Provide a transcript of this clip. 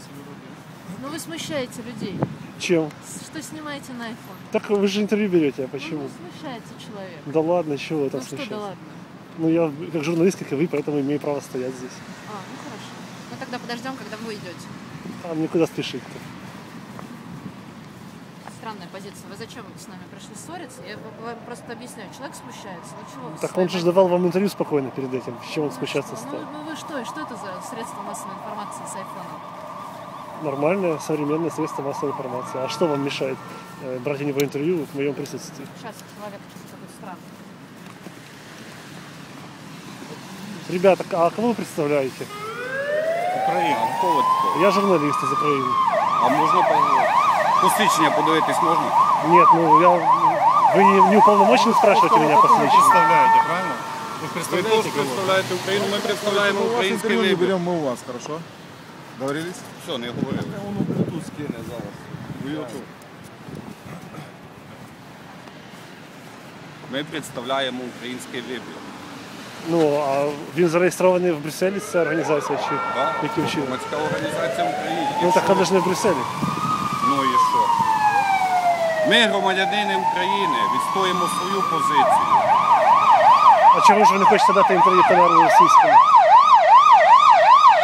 Ну вы смущаете людей. Чем? Что снимаете на iPhone? Так вы же интервью берете, а почему? Ну, вы смущаете человека. Да ладно, чего вы там Ну что, смущаетесь? да ладно? Ну я как журналист, как и вы, поэтому имею право стоять здесь. Ну хорошо. Ну тогда подождем, когда вы уйдете. А мне куда спешить-то? Странная позиция. Вы зачем с нами пришли ссориться? Я вам просто объясняю. Человек смущается. Ну чего вы Так своей он же давал вам интервью спокойно перед этим. С чем он смущаться что? стал? Ну вы что? Что это за средство массовой информации с айфоном? Нормальное, современное средство массовой информации. А что вам мешает брать у него интервью в моем присутствии? Сейчас человек какой-то странный. Ребята, а кого вы представляете? Україна, хто ви такий? Я журналист из Украины. А можна посвідчення подивитись можна? Нет, ну вы не уполномочены спрашиваете меня посвящение? представляете, правильно? Вы Ви представляете теж кого? представляєте Україну, ми представляємо Мы у вас український интервью не вибір. берем, мы у вас, хорошо? Договорились? Все, не говорили. Воно Bluetooth скине зараз. В YouTube. Ми представляємо український вибір. Ну, а він зареєстрований в Брюсселі, ця організація чи Да? яким чином? Громадська організація в Україні. Ну І так що? вона ж не в Брюсселі. Ну і що? Ми, громадянини України, відстоїмо свою позицію. А чому ж ви не хочете дати інтерв'ю каналу російському?